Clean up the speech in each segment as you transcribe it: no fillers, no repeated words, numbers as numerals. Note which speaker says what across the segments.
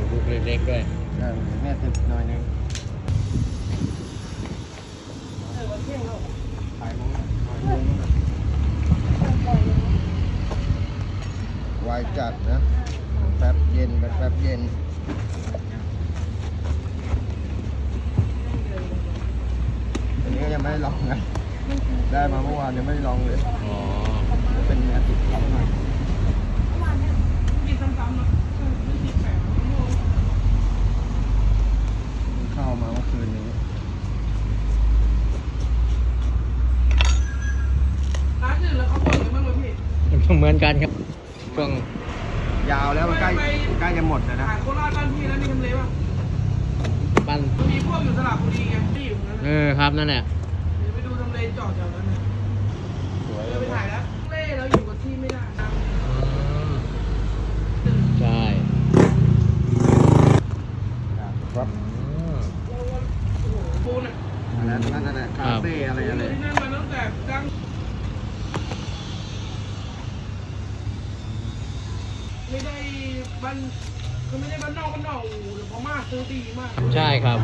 Speaker 1: ลูกเล็กๆด้วย
Speaker 2: แม่ติดหน่อยนึงขายมั้งวายจัดนะแป๊บเย็นแป๊บเย็นอันนี้ก็ยังไม่ได้ลองนะได้มาเมื่อวานยังไม่ได้ลองเลย
Speaker 1: อ๋อ
Speaker 2: เป็นเนื้อติดเขาหน่อยเข้ามาเมื่อคืนนี้
Speaker 3: ร้านอื่นแล้วเขาบ่นกันบ้างไหมพี่
Speaker 1: เหมือนกันครับช่วง
Speaker 2: ยาวแล้วมันใกล้จะหมดแล้วนะ
Speaker 3: ขายโคราชบ้านพี่แล้วมีทำเลป่ะ
Speaker 1: บ้าน
Speaker 3: มันมีพวกอยู่สระบุรีไงที่อยู่นั้น
Speaker 1: ครับนั่นแหละ
Speaker 3: เดี๋ยวไปดูทำเลจอดแถวนั้นนะเดี๋ยวไปถ่ายแล้วเล่แล้วอยู่กับที่ไม่ได้
Speaker 1: ใช่
Speaker 2: ครับ
Speaker 3: ปูนอ่ะ
Speaker 2: อันนั้นนั่นแหละคาเฟ่อะไร
Speaker 3: ที่
Speaker 2: อะไร
Speaker 3: นั่นมาตั้งแต่ดังไม่ได้บ้านคือไม่ได้บ้านนอกโอ้โหเดี๋ยวพม่าซื้อดีมาก
Speaker 1: ใช่ครับ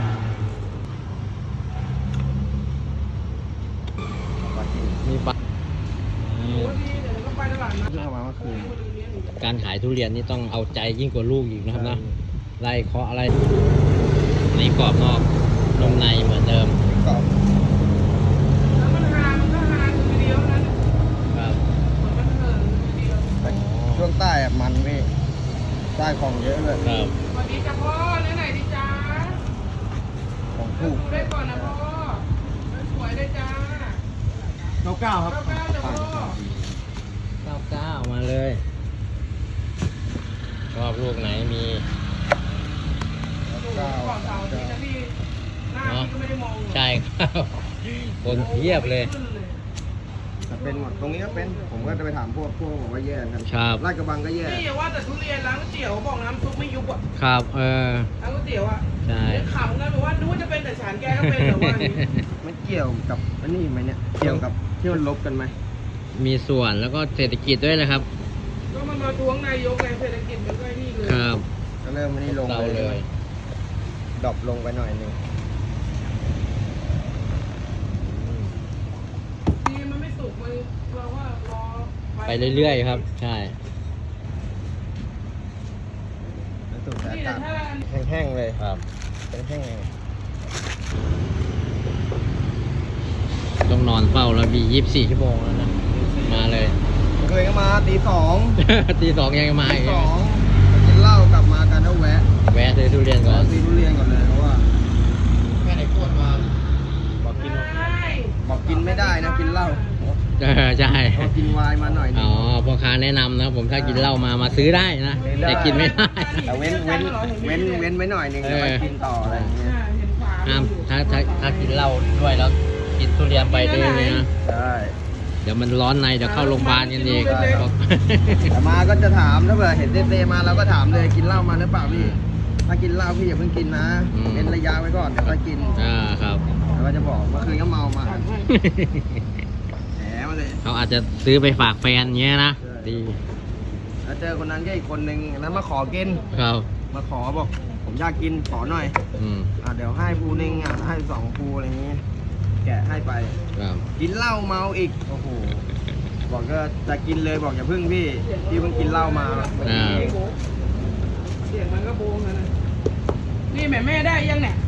Speaker 1: มีปลา
Speaker 3: โอ้ดีเดี๋ยวเราก็ไปตลาดนัด
Speaker 2: เพิ่งเข้ามาเมื่อคืน
Speaker 1: การขายทุเรียนนี่ต้องเอาใจยิ่งกว่าลูกอีกนะครับนะไล่เคาะอะไรในกรอบนอกนมในเหมือนเดิม
Speaker 2: กรอบ
Speaker 3: แล้วมันหามันก็หาอยู่ทีเดียวนั้น
Speaker 1: ครับ
Speaker 3: เหมือนมันเหินทีเดียว
Speaker 2: ช่วงใต้อะมันพี่ใต้ของเยอะเลย
Speaker 1: ครับ
Speaker 3: สวัสดีจ้าพ่อเนื้อไหนดีจ้า
Speaker 2: ของ
Speaker 3: ดู
Speaker 2: ถูก
Speaker 3: ได้ก่อนนะพ่อสวยได้จ้า
Speaker 2: 99ครับ
Speaker 3: 99จ้ะพ่อ
Speaker 1: 99มาเลยชอบลูกไหนมี
Speaker 3: ดูก่อนเสาร์อาที่นะพี่หน้าพี่ก็ไม่ได้มอง
Speaker 1: ใช่ครับ คนเทียบเลย
Speaker 3: ขึ้นเลย
Speaker 2: แต่เป็นหมดตรงนี้ก็เป็นผมก็จะไปถามพวกบอกว่าแย่กัน
Speaker 1: ครับ
Speaker 2: ลาดกระบังก็แย่
Speaker 3: นี่อย่าว่าแต่ทุเรียนร้านก๋วยเตี๋ยวบอกน้ำซุปไม่ยุบอ่ะ
Speaker 1: ครับ
Speaker 3: ร้านก๋วยเตี๋ยวอ่ะ
Speaker 1: ใช่
Speaker 3: เดี๋ยวขำกันแบบว่านึกว่าจะเป็นแต่ฉันแกก็เป็นแต่ว่าอย่างนี้
Speaker 2: มันเกี่ยวกับอันนี้ไหมเนี่ยเกี่ยวกับที่มันลบกันไหม
Speaker 1: มีส่วนแล้วก็เศรษฐกิจด้วยนะครับ
Speaker 3: ก็มันมาทวงนายกไงเศรษฐกิจมันก็ไอ้นี่เลย
Speaker 1: ครับ
Speaker 2: ก็เริ่มอันนี้ลง
Speaker 1: เรา
Speaker 2: เลย
Speaker 1: เลย
Speaker 2: ดรอปลงไปหน่อยหนึง
Speaker 3: ดีมันไม่สุกมันเราว่ารอ
Speaker 1: ไปเรื่อยๆครับ ใช่
Speaker 2: แล้วสูตรแต่
Speaker 3: นี่แต่
Speaker 2: ตัด
Speaker 3: ถ้า
Speaker 2: แห้งๆเลย
Speaker 1: ครับ
Speaker 2: เป็นแห้ง
Speaker 1: ต้องนอนเฝ้าแล้วมี24 ชั่วโมงแล้วนะ มาเลย
Speaker 2: เคยก็มาตี 2
Speaker 1: ตี 2ยังมา
Speaker 2: ตี
Speaker 1: อีก
Speaker 2: 2ไปกินเหล้ากลับมากันแล้วแวะ
Speaker 1: แวะซื้อทุเรียนก่อน
Speaker 2: ซื้อทุเรียนก่อนเลยเพราะว่า
Speaker 1: แม่ไหนขวดมาบอกกิน
Speaker 3: ใช่
Speaker 2: บอกกินไม่ได้นะกินเหล้า
Speaker 1: ใช่
Speaker 2: พอกินไวน์มาหน่อยหนึ
Speaker 1: อ๋
Speaker 2: ง
Speaker 1: อพ่อค้าแนะนำนะผมถ้ากินเหล้ามาซื้อได้นะ แต่กินไม่ได้
Speaker 2: แต่เว้นไว้หน่อยหนึงแล้วไปกินต่ออะไรอย่างเงี้ย
Speaker 3: เห็นขวา
Speaker 1: ห้ามถ้ากินเหล้าด้วยแล้วกินทุเรียนไปด้วยเลยนะ
Speaker 2: ใช่
Speaker 1: เดี๋ยวมันร้อนในเดี๋ยวเข้าโรงพยาบาลกันอีก
Speaker 2: แต่มาก็จะถามถ้าเผื่อเห็นเต้ๆมาเราก็ถามเลยกินเหล้ามาหรือเปล่าพี่ถ้ากินเหล้าพี่อย่าเพิ่งกินนะเว้นระยะไว้ก่อนเดี๋ยวค่อยกิน
Speaker 1: ครับ
Speaker 2: แล้วก็จะบอกเมื่อคืนก็เมามาแหมมาเลย
Speaker 1: เขาอาจจะซื้อไปฝากแฟนเงี้ยนะ
Speaker 2: ใช่
Speaker 1: ดี
Speaker 2: แล้วเจอคนนั้นก็อีกคนนึงนั้นมาขอกิน
Speaker 1: ครับ
Speaker 2: มาขอบอกผมอยากกินขอหน่อย
Speaker 1: อืม
Speaker 2: เดี๋ยวให้ภูนึงให้2ภูอะไรอย่างงี้ แกะให้ไป
Speaker 1: ครับ
Speaker 2: กินเหล้าเมาอีกโอ้โหบอกก็จะกินเลยบอกอย่าพึ่งพี่เพิ่งกินเหล้ามาเมื่อกี้เอง
Speaker 3: เสียงมันก็โบงนะนี่แม่ได้ยังเนี่ย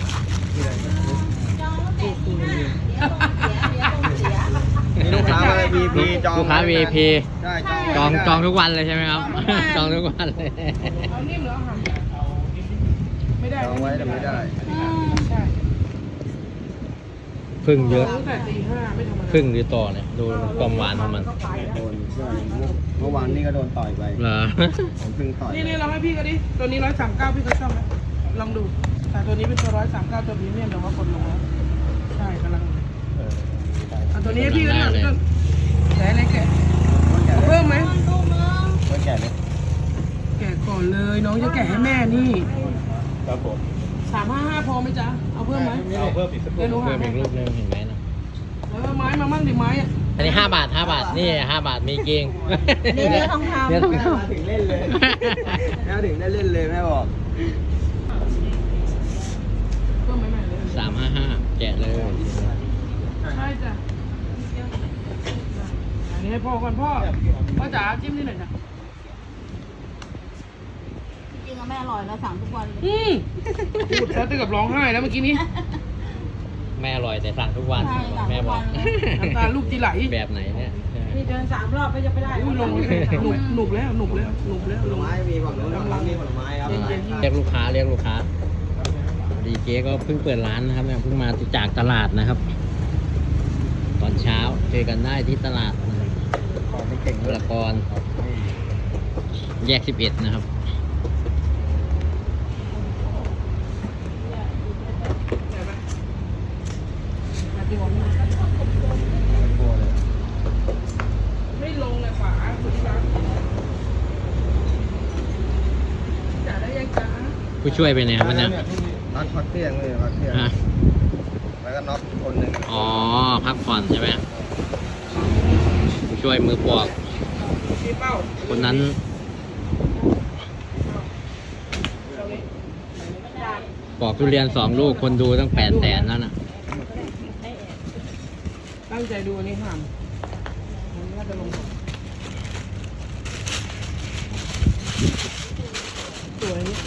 Speaker 2: นี่ลูกค้ามาเลย VIP จอง
Speaker 1: ลูกค้า VIP
Speaker 2: ใช่
Speaker 1: จองทุกวันเลยใช่ไหมครับ จองทุกวันเลย
Speaker 3: เอานิ่มเหรอหั่นไม่ได้
Speaker 2: จองไว้แต่ไม่ได้
Speaker 3: ใช่
Speaker 1: พึ่งเยอะ
Speaker 3: ตั้งแต่ตี 5ไม่ธรรมดา
Speaker 1: พึ่งหรือต่อเนี่ยดูความหวานของมัน
Speaker 3: ก็ไปแล้ว
Speaker 2: โดนใช่เมื่อวานนี่ก็โดนต่อยไป
Speaker 1: เหรอ
Speaker 2: ผมเพิ่งต่อย
Speaker 3: นี่ลองให้พี่ก็ดิตัวนี้139พี่ก็ชอบไหมลองดูแต่ตัวนี้เป็นตัว139ตัวพรีเมียมแต่ว่ากดลงแล้วใช่กำลังเอาตัวนี้ให้พี่ก็ได้แกะอะไรแกะเอาเพิ่มไหม
Speaker 2: ก็แก่เลย
Speaker 3: แกะก่อนเลยน้องจะแกะให้แม่นี่
Speaker 2: ครับผม
Speaker 3: 355พอไหมจ๊ะเอาเพิ่มไหม
Speaker 2: เอาเพิ่มอีกสัก
Speaker 3: เดี๋ยวหนูหา
Speaker 1: เพิ่ม
Speaker 3: ให้
Speaker 1: อีกรูปหนึงเห็นไหมนะ
Speaker 3: แล้วก็ไม้มามั่งดิไม้อะ
Speaker 1: อันนี้5 บาท 5 บาท นี่ 5 บาทมีเกง
Speaker 4: เนื้อทองคำ
Speaker 1: เนื้อทองค
Speaker 2: ถึงเล่นเลยแม่ถึงได้เล่นเลยแม่บอก
Speaker 1: ำ
Speaker 3: เพิ่มใหม่ๆเลย
Speaker 1: 355 แกะเลย
Speaker 3: ใช่จ้ะอันนี้ให้พ่อก่อนพ่อจ๋าจิ้มนิดหน่อยจ้ะ
Speaker 4: จริงๆอะแม่อร่อยเราสั่งทุกวันเลย
Speaker 3: พูดแล้วตึงกับร้องไห้แล้วเมื่อกี้นี้
Speaker 1: แม่อร่อยแต่สั่งทุกวัน
Speaker 4: ใช่สั่ง
Speaker 1: แม่
Speaker 4: ทุก
Speaker 1: บอ
Speaker 4: วั
Speaker 1: ก
Speaker 4: นเลย
Speaker 3: น้ำตาลูกจีไหล
Speaker 1: แบบไหนเนี่ย
Speaker 4: นี่เดิน3 รอบก็จะไปได้
Speaker 3: อุ้ยลงหนุบแล้วหนุบแล้วหนุบแล้ว
Speaker 2: ผ
Speaker 3: ล
Speaker 2: ล
Speaker 3: ง
Speaker 2: ไม้มีฝั่งนู้นฝั่งนี้มีผลไม้ครับ
Speaker 3: เย็น
Speaker 1: เรียกลูกค้าเรียกลูกค้าดีเจก็เพิ่งเปิดร้านนะครับเนี่ยเพิ่งมาจากตลาดนะครับ ตอนเช้าเจอกันได้ที่ตลาดนะครับ
Speaker 2: ของไม่เก่ง
Speaker 1: บุ
Speaker 2: ด้วย
Speaker 1: รกรแยก 11 นะครับ
Speaker 3: ไม่ลงเลยขวาคุณรักจ๋าได้ยังจ๋า
Speaker 1: ผู้ช่วยไปไหนครับวันเนี่ย
Speaker 2: นัดพักเที่ยงเลยพักเที่ยง
Speaker 1: ฮะ
Speaker 2: แล้วก็น็อกคนหนึ่ง
Speaker 1: อ๋อ พักผ่อนใช่ไหมผู้ช่วยมือปอก
Speaker 3: ชี้เป้า
Speaker 1: คนนั้นปอกทุเรียน2 ลูกคนดูตั้ง800,000แล้วนะ
Speaker 3: ตั้งใจดูอันนี้ห้ามมันน่าจะลงสวยนี่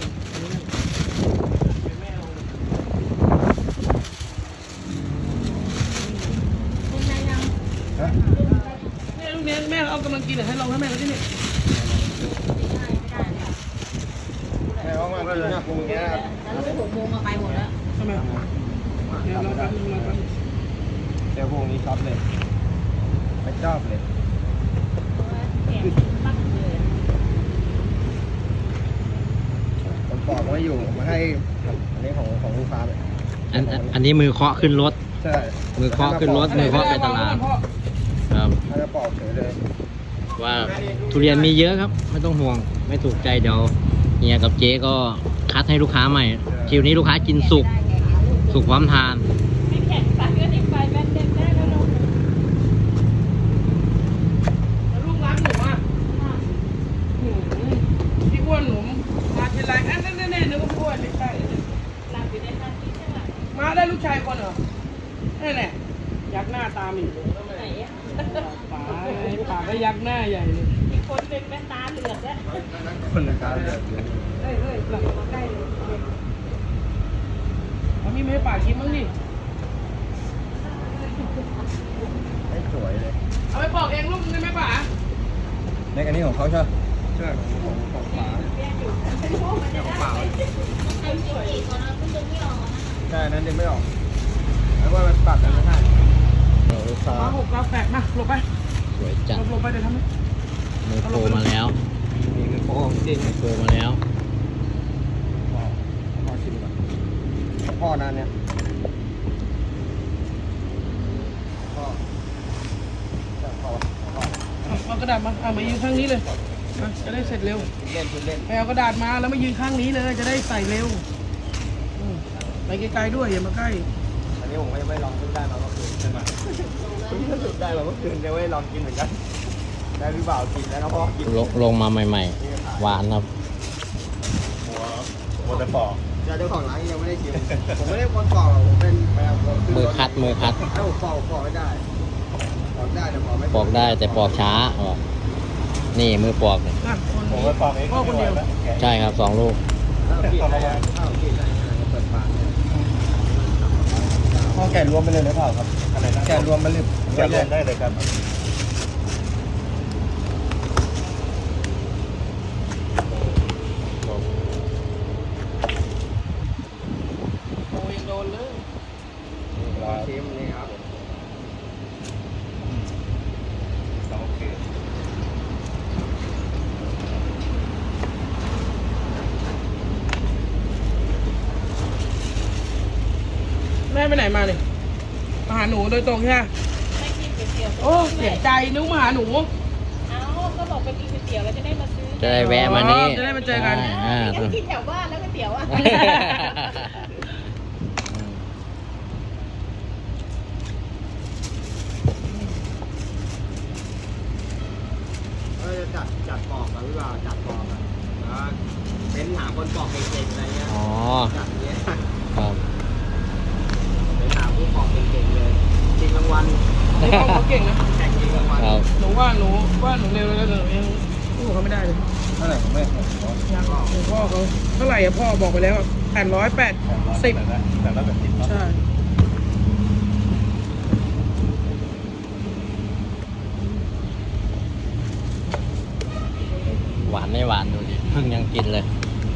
Speaker 3: เนี่ยลูกเนี้ยแม่เอากำลังกินเดี๋ยวให้ลองให้แม่เขาที่นี่
Speaker 2: แม่ว่ามันกินหน้าปูอย่างเงี้ยครับ
Speaker 4: แล้วลูก6 โมงมาไปหมดแล้ว
Speaker 3: ทำไมเดี๋ยวเราแป๊บนึงเราแป๊บนึง
Speaker 2: เดี๋ยวพวกนี้ชอบเลยไม่ชอบเลยผมบอกว่าอยู่มาให้อันนี้ของลูกค้าเลย
Speaker 1: อันนี้มือเคาะขึ้นรถ
Speaker 2: ใช่
Speaker 1: มือเคาะขึ้นรถ มือเคาะไปตลาด ครับ
Speaker 2: ถ้าจะปอกเฉยเลย
Speaker 1: ว่าทุเรียนมีเยอะครับ ไม่ต้องห่วง ไม่ถูกใจเดี๋ยวเฮียกับเจ๊ก็คัดให้ลูกค้าใหม่ คิวนี้ลูกค้ากินสุก สุกพร้อมทาน
Speaker 4: ไม่แข็งปัดก็ติดไฟแบนเด็กได้แล้วลูก
Speaker 3: แล้วลูกรักหนูอ่ะพี่อ้วนหนูมาทีไรนั่นนึกว่าพี่อ้วนไม่ใช่
Speaker 4: หลับอยู่ในท่าที่ใช่ไหม
Speaker 3: มาได้ลูกชายคนเหรอนี่แหละยักหน้าตามอีก
Speaker 4: ไหนอะ
Speaker 3: ป่าก็ยักหน้าใหญ่เลย
Speaker 4: อีกคนเป็นแม่ตาเหลือกแล้ว
Speaker 2: คนละการเลย
Speaker 3: เฮ้ยกลับมาใกล้เลยเอามีไม่ให้ป่ากินมั้งดิ
Speaker 2: ไม่สวยเลย
Speaker 3: เอาไปปอกเองลูกนึงได้ไหมป่า
Speaker 2: ในอันนี้ของเขาใช่ไหมใช่ของฝาของฝาใช่นั้นดึงไม่ออกแล้วว่ามันปัดกันไม่ได้ลูกค้า
Speaker 3: มา6 9 8มาหลบไป
Speaker 1: สวยจัด
Speaker 3: หลบไปเดี๋ยวทำให้
Speaker 1: มือโปรมาแล้ว
Speaker 2: มีคือโค้งจริง
Speaker 1: มือโปรมาแล้ว
Speaker 2: พ่อชิมก่อนพ่อนั่นเนี่ยพ่อพ่อ
Speaker 3: เอากระดาษมาเอามายืนข้างนี้เลยมาจะได้เสร็จเร็ว
Speaker 2: เล่นเล่น
Speaker 3: ไปเอากระดาษมาแล้วมายืนข้างนี้เลยจะได้ใส่เร็วไปไกลๆด้วยอย่ามาใกล้
Speaker 2: อันนี้ผมก็ยังไม่ลองขึ้นได้มาเมื่อคืนใช่ไหมเพิ่งรู้สึกได้มาเมื่อคืนยังไม่ลองกินเหมือนกันได้พี่บ่าวกินแล้วก็พ่อกิน
Speaker 1: ลงมาใหม่ๆ หวานครับ
Speaker 2: หัวแต่ปอกเจ้าของร้านยังไม่ได้ชิมผมไม่ได้คนปอกหรอกผมเป็นแมว
Speaker 1: มือคัด
Speaker 2: ถ้าผมปอกไม่ได้ปอกได้แต่ปอกไม่
Speaker 1: ปอกได้แต่ปอกช้าบอกนี่มือปอกเนี่ย
Speaker 3: นะคนนี้พ่อคนเดียว
Speaker 1: ใช่ครับ2 ลูก
Speaker 2: พ่อแกะรวมไปเลยหรือเปล่าครับอะไรนะแกะรวมไปเลยแกะรวมได้เลยครับ
Speaker 3: โอ้ยังโดนเลย
Speaker 2: ชิมนี่ครับ
Speaker 5: โอเค
Speaker 3: แม่ไปไหนมาเนี่ยมาหาหนูโดยตรงใช่ไหม
Speaker 4: ไม่กินก๋วยเตี๋ยว
Speaker 3: โอ้เสียใจนึกมาหาหนู
Speaker 4: เอ้าก็บอกไปกินก๋วยเตี๋ยวแล้วจะได้มาซื้อ
Speaker 1: จะได้แวะมานี่
Speaker 3: จะได้มาเจอกัน
Speaker 1: อ่า
Speaker 4: ก็กินแถวบ้านแล้วก๋วยเตี๋ยวอ่ะ
Speaker 2: จัดปอกกับพี่บ่าวจัดปอกอ่ะเป็นนหาคนปอกเก่งๆอะไรเงี้ย
Speaker 1: อ๋อ
Speaker 2: อย่างเงี้ย
Speaker 1: ครับ
Speaker 2: เน้นหาผู้ปอกเก่งๆเลยจริงรางวัล
Speaker 3: หนูเขาเก่งนะ
Speaker 2: แข่งจริงรางวัล
Speaker 1: ครับ
Speaker 3: หนูว่าหนูเร็วแล้วหนูยังสู้เขาไม่ได้เลย
Speaker 5: เท่าไหร่ผมไม่ผม
Speaker 3: ยังหนูพ่อเขาเท่าไหร่อะพ่อบอกไปแล้ว880
Speaker 5: แต่ละแบบติดเนาะ
Speaker 3: ใช่
Speaker 1: หวานไม่หวานดูดิเพิ่งยังกินเลย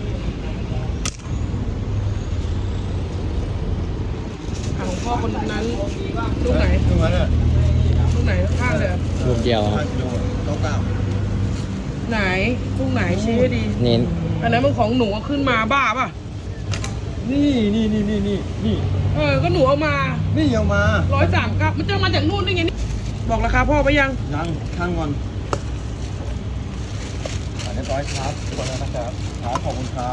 Speaker 3: ของพ่อคนนั้นลูกไหน
Speaker 5: ดูมันอ่ะ
Speaker 3: ลูกไหนข้างเลยอะ
Speaker 1: ลูกเดียวครับ
Speaker 5: 5 กิโลเก้า
Speaker 3: ไหนลูกไหนชี้ให้ดี
Speaker 1: นี่
Speaker 3: อันนั้นมันของหนูเอาขึ้นมาบ้าป่ะ
Speaker 5: นี่
Speaker 3: ก็หนูเอามา
Speaker 5: นี่เอามา
Speaker 3: 139มันจะมาจากนู่นได้ไงนี่บอกราคาพ่อไปยัง
Speaker 5: ยังข้างก่อนเรียบร้อยครับคนแล้วนะครับครับขอบคุณครับ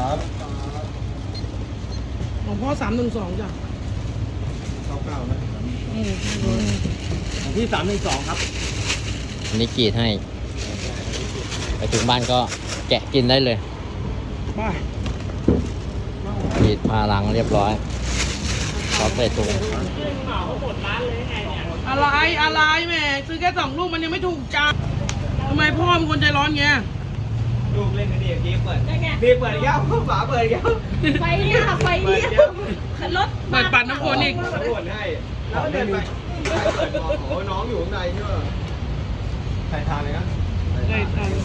Speaker 3: ของพ่อ312จ้ะ
Speaker 5: 99นะ
Speaker 2: ของที่312ครับ
Speaker 1: อันนี้กรีดให้ ไปถึงบ้านก็แกะกินได้เลย
Speaker 3: บ้าก
Speaker 1: รีดพาลังเรียบร้อยพร้อมใส่ถุง
Speaker 3: อะไรแม่ซื้อแค่2 ลูกมันยังไม่ถูกจ้าทำไมพ่อเป็นคนใจร้อนเงี้ย
Speaker 2: ลูกเล่นกันดีพี่เปิด
Speaker 4: ได้ไง
Speaker 2: พี่เปิดอีกแล้วฝาเปิดอีกแล้ว
Speaker 4: ไฟเนี่ยไฟเลี้ยวรถ
Speaker 3: เปิดปัดน้ำฝนอีก
Speaker 2: ตำรวจให้แล้วเดินไปเปิดบอกโอ้น้องอยู่ข้างในใช่ไหมใครทานเลยนะ
Speaker 3: ได้ทาน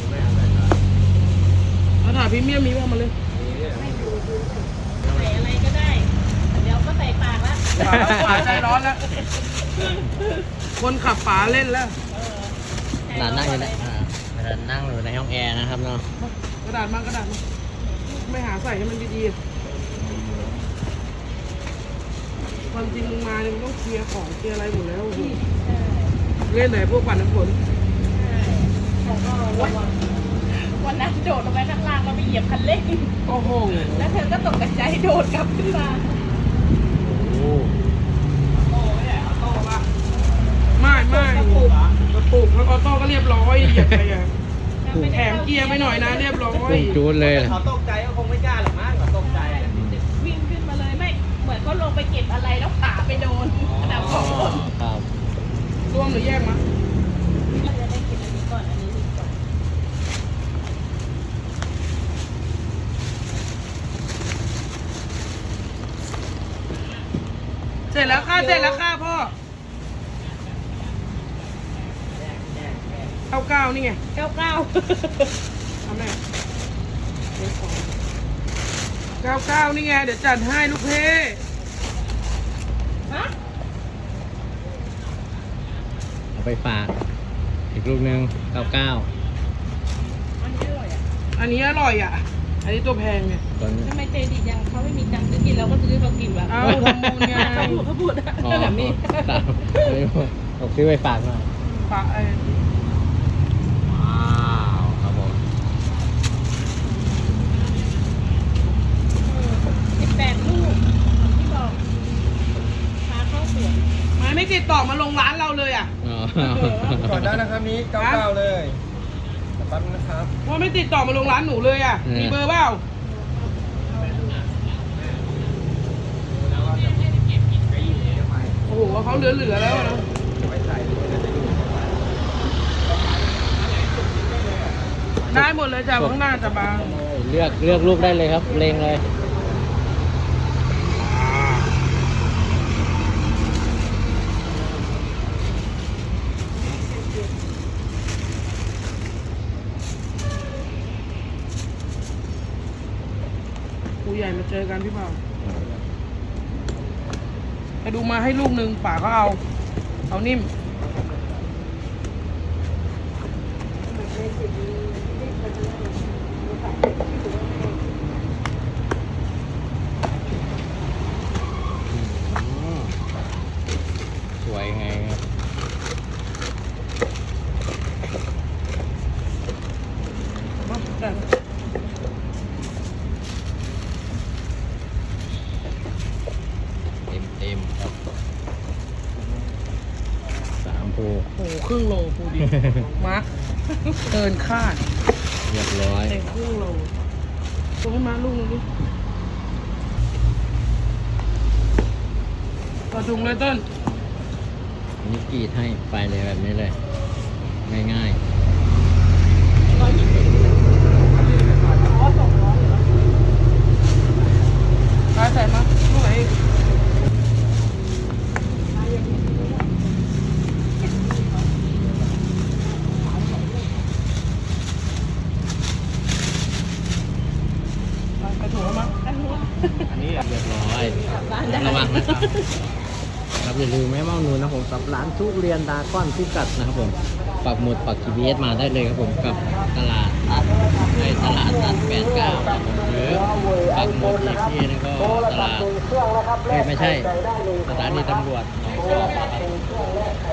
Speaker 3: แล้วถ่ายพรีเมียมมีบ้างมาเลย
Speaker 4: ใส่อะไรก็ได้ เดี๋ยวก็ใส่ปากละ
Speaker 3: ป๋าใจร้อนแล้ว คนขับป๋าเล่นแล้ว
Speaker 1: ร้านนั่งอยู่นะนั่งอยู่ในห้องแอร์นะครับเนาะ
Speaker 3: กระดาษมากระดาษมาไม่หาใส่ให้มันดีๆความจริงมึงมาเนี่ยมึงต้องเคลียร์ของเคลียร์อะไรหมดแล้วโอ้โหเล่นไหนพวกปั่นน้ำฝน
Speaker 4: วันนั้นโดดลงไปข้างล่างเราไปเหยียบคันเร่ง
Speaker 3: โอ้โห
Speaker 4: แล้วเธอก็ตกใจโดดกลับขึ้นมา
Speaker 1: โอ้
Speaker 3: ไม่กระปุกแล้วออโต้ก็เรียบร้อยเหยียบไปอ่ะแถมเกียร์ไปหน่อยนะเรียบร้อย
Speaker 1: พุ่งจูดเลย
Speaker 2: เขาตกใจก็คงไม่กล้าหรอกมั้งเขาตกใจ
Speaker 4: วิ่งขึ้นมาเลยไม่ เหมือนเขาลงไปเก็บอะไรแล้วขาไปโดนขนาดของคน
Speaker 1: ครับ
Speaker 3: รวมหรือแยกมา
Speaker 4: จะได้กินอันนี้ก่อนอันนี้ดีกว่า
Speaker 3: เสร็จแล้วค่ะพ่อ99นี่ไง
Speaker 4: 99
Speaker 3: ทำไม99นี่ไงเดี๋ยวจัดให้ลูกเพ่
Speaker 4: ฮะ
Speaker 1: เอาไปฝาก อีกลูกนึง99
Speaker 4: อันนี้อร่อยอ่ะ
Speaker 3: อันนี้อร่อยอ่ะ อันนี้ตัวแพงเนี่ย
Speaker 1: ตัวนี้
Speaker 4: ทำไมใจดีจังเขาไม่มีตังค์ซื้อกินเราก็ซื้อเขากินวะ
Speaker 3: เอาทำบุญไง
Speaker 4: เขาพูด
Speaker 1: อ๋อ
Speaker 4: แบบนี้
Speaker 1: ตามผมซื้อไปฝากหน่อย
Speaker 3: ปะ
Speaker 1: ว้าวครับผม
Speaker 4: 18 ลูกที่บอกพาเข้าสวน
Speaker 3: ไม่ติดต่อมาลงร้านเราเลยอ่ะ
Speaker 1: อ๋อ
Speaker 5: ก่อนได้นะครับนี้99เลยแป๊บนะครับ
Speaker 3: ว่าไม่ติดต่อมาลงร้านหนูเลยอ่ะ มีเบอร์เปล่าโอ้โหเขาเหลือแล้วนะได้หมดเลยจ้ะข้างหน้าจะบาง
Speaker 1: เลือกลูกได้เลยครับเลงเลย
Speaker 3: ครูใหญ่มาเจอกันพี่เปล่าไปดูมาให้ลูกหนึ่งป่าก็เอานิ่ม
Speaker 1: สวยไงครับ
Speaker 3: แต่
Speaker 1: เต็มครับ3 ภู
Speaker 3: โอ้โหครึ่งโลปูดิ มาร์คเกินคาด
Speaker 1: เรียบร้อย
Speaker 3: เต็มครึ่งโลส่งให้มาลูกนึงดิต่อถุงเลยต้น
Speaker 1: นี่กรีดให้ไปเลยแบบนี้เลย ง่าย
Speaker 3: ไปใส่มาลูกไหนอีกไปถุงแล้วมั้ง
Speaker 4: อันนี้
Speaker 1: ๆ อันนี้เรียบร้อยระวังนะครับครับอย่าลืมแม่เมานูนนะผมกับร้านทุเรียนดาก้อนพิกัดนะครับผมปักหมุดปัก GPS มาได้เลยครับผมกับตลาดนัดในตลาดนัด89ครับผมหรือปักหมุดอีกที่นึงก็ตลาดไม่ใช่สถานีตำรวจหนองจอกนะครับ